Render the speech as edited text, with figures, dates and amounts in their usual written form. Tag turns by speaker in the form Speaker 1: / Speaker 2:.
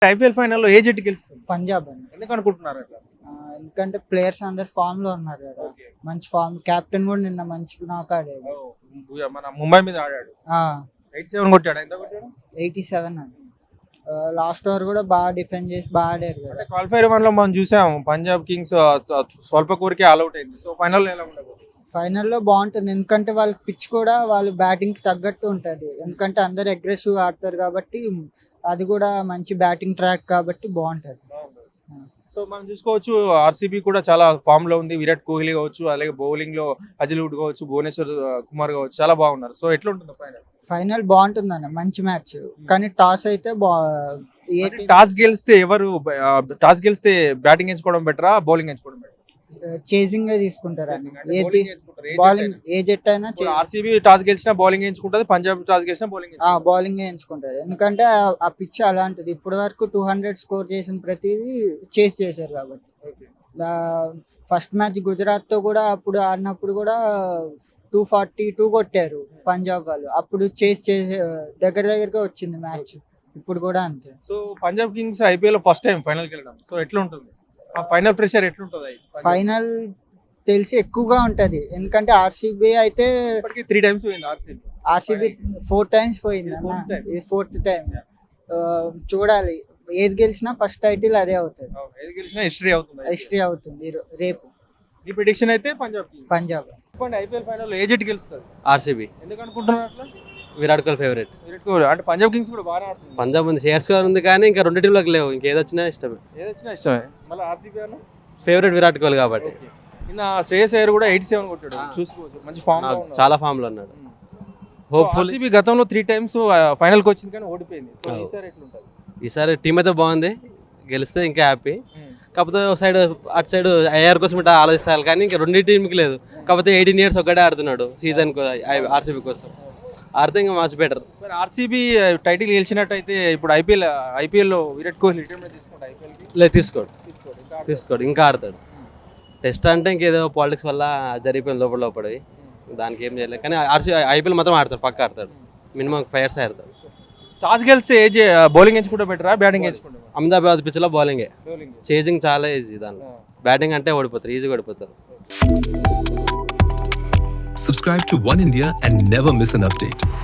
Speaker 1: IPL ఫైనల్లో ఏ జట్టు గెలుస్తుంది?
Speaker 2: పంజాబ్ అండి.
Speaker 1: ఎందుకు అనుకుంటున్నారు అట్లా?
Speaker 2: ఎందుకంటే ప్లేయర్స్ అందరు ఫామ్ లో ఉన్నారు కదా, మంచి ఫామ్. కెప్టెన్ కూడా నిన్న మంచి నాక్ ఆడాడు.
Speaker 1: మన ముంబై మీద ఆడాడు, 87 కొట్టాడు. ఎంత కొట్టాడు?
Speaker 2: 87 అండి. లాస్ట్ ఓవర్ కూడా బాగా డిఫెండ్ చేసి బాగా ఆడారు కదా.
Speaker 1: అంటే క్వాలిఫైర్ 1 లో మనం చూసాం పంజాబ్ కింగ్స్ స్వల్ప కోరికే ఆల్అౌట్ అయింది. సో ఫైనల్ ఎలా ఉండదు?
Speaker 2: ఫైనల్లో బాగుంటుంది, ఎందుకంటే వాళ్ళ పిచ్ కూడా వాళ్ళు బ్యాటింగ్ కి తగ్గట్టు ఉంటుంది. ఎందుకంటే అందరు అగ్రెసివ్ ఆడతారు కాబట్టి, అది కూడా మంచి బ్యాటింగ్ ట్రాక్ కాబట్టి బాగుంటుంది.
Speaker 1: సో మనం చూసుకోవచ్చు ఆర్సీబీ కూడా చాలా ఫామ్ లో ఉంది. విరాట్ కోహ్లీ కావచ్చు, అలాగే బౌలింగ్ లో అజిల్వుడ్ కావచ్చు, భువనేశ్వర్ కుమార్ కావచ్చు, చాలా బాగున్నారు. సో ఎట్లా ఉంటుంది ఫైనల్?
Speaker 2: ఫైనల్ బాగుంటుంది అన్న, మంచి మ్యాచ్. కానీ టాస్ అయితే
Speaker 1: టాస్ గెలిస్తే ఎవరు టాస్ గెలిస్తే బ్యాటింగ్ ఎంచుకోవడం బెటరా, బౌలింగ్ ఎంచుకోవడం బెటర్?
Speaker 2: చేసింగ్ తీసుకుంటారు అన్న. బౌలింగ్ ఏ జట్ అయినా
Speaker 1: ఆర్సీబీ టాస్ గెలిచినా బౌలింగ్ ఎంచుకుంటది, పంజాబ్ టాస్ గెలిచినా
Speaker 2: బౌలింగ్ ఎంచుకుంటది. ఎందుకంటే ఆ పిచ్ అలాంటిది. ఇప్పటి వరకు 200 స్కోర్ చేసిన ప్రతిదీ చేస్ చేశారు కాబట్టి. ఫస్ట్ మ్యాచ్ గుజరాత్ తో కూడా అప్పుడు ఆడినప్పుడు కూడా 242 కొట్టారు పంజాబ్ వాళ్ళు. అప్పుడు చేసే దగ్గరగా వచ్చింది మ్యాచ్. ఇప్పుడు కూడా అంతే.
Speaker 1: సో పంజాబ్ కింగ్స్ ఐపీఎల్ లో ఫస్ట్ టైం ఫైనల్ కి వెళ్ళడం. సో ఎట్లా ఉంటుంది ఫైనల్ ప్రెషర్? ఎట్లుంటుంది
Speaker 2: ఫైనల్? తెలిసి ఎక్కువగా ఉంటది, ఎందుకంటే ఆర్సీబీ అయితే
Speaker 1: 3 times పోయింది.
Speaker 2: ఆర్సీబీ 4 times పోయింది అన్న. ఇది 4th టైం. చూడాలి, ఏది గెలిచినా ఫస్ట్ టైటిల్ అదే అవుతుంది.
Speaker 1: ఏది గెలిచినా హిస్టరీ అవుతుంది
Speaker 2: రేపు.
Speaker 1: ఈ ప్రిడిక్షన్ అయితే పంజాబ్. ఐపీఎల్ ఫైనల్ ఏ జట్టు గెలుస్తుంది?
Speaker 3: ఆర్సీబీ.
Speaker 1: ఎందుకు అనుకుంటున్నారు అట్లా?
Speaker 3: విరాట్ కోహ్లీ ఫేవరెట్.
Speaker 1: విరాట్ కోహ్లీ అంటే పంజాబ్ కింగ్స్ కూడా బాగా ఆడుతుంది.
Speaker 3: పంజాబ్ ఉంది, షేర్స్ గారు ఉంది, కానీ ఇంకా 2 టీంలకు లేవు. ఇంకేదొచ్చినా ఇష్టమే.
Speaker 1: మళ్ళీ ఆర్సీబీ అన్న
Speaker 3: ఫేవరెట్ విరాట్ కోహ్లీ కాబట్టి.
Speaker 1: నిన్న శ్రేయస్ అయ్యర్ కూడా 87 కొట్టాడు. చూసుకోవచ్చు, మంచి ఫామ్ లో ఉన్నాడు.
Speaker 3: చాలా ఫామ్ లో ఉన్నాడు. హోప్ఫుల్.
Speaker 1: ఆర్సీబీ గతంలో 3 times ఫైనల్ కి వచ్చింది కానీ ఓడిపోయింది. సో ఈసారి ఎట్లుంటది?
Speaker 3: ఈసారి టీం అయితే బాగుంది, గెలిస్తే ఇంకా హ్యాపీ. కాకపోతే సైడ్ అటు సైడ్ ఐఆర్ కోసం ఇట్లా ఆలోచిస్తారు, కానీ ఇంకా 2 టీంకి లేదు. కాకపోతే 18 years ఒక్కడే ఆడుతున్నాడు సీజన్ ఆర్సీబీ కోసం. ఆడితే ఇంకా మచ్ బెటర్.
Speaker 1: ఆర్సీబీ టైటిల్ గెలిచినట్టయితే ఇప్పుడు ఐపీఎల్ లో విరాట్ కోహ్లీ రిటైర్మెంట్ తీసుకుంటే ఐపీఎల్ కి
Speaker 3: లేదు, తీసుకోడు, ఇంకా ఆడతాడు. టెస్ట్ అంటే ఇంకేదో పాలిటిక్స్ వల్ల జరిగిపోయింది లోపడి, దానికి ఏం చేయలేదు. కానీ ఐపీఎల్ మాత్రం ఆడతాడు, పక్క ఆడతాడు. మినిమం 5 years ఆడతాడు.
Speaker 1: టాస్ గెలిస్తే బౌలింగ్ ఎంచుకుంటే బెటరా, బ్యాటింగ్ ఎంచుకుంటే?
Speaker 3: అహ్మదాబాద్ పిచ్ లో బౌలింగే. చేజింగ్ చాలా ఈజీ దాంట్లో. బ్యాటింగ్ అంటే ఓడిపోతారు, ఈజీగా ఓడిపోతారు.
Speaker 4: Subscribe to One India and never miss an update.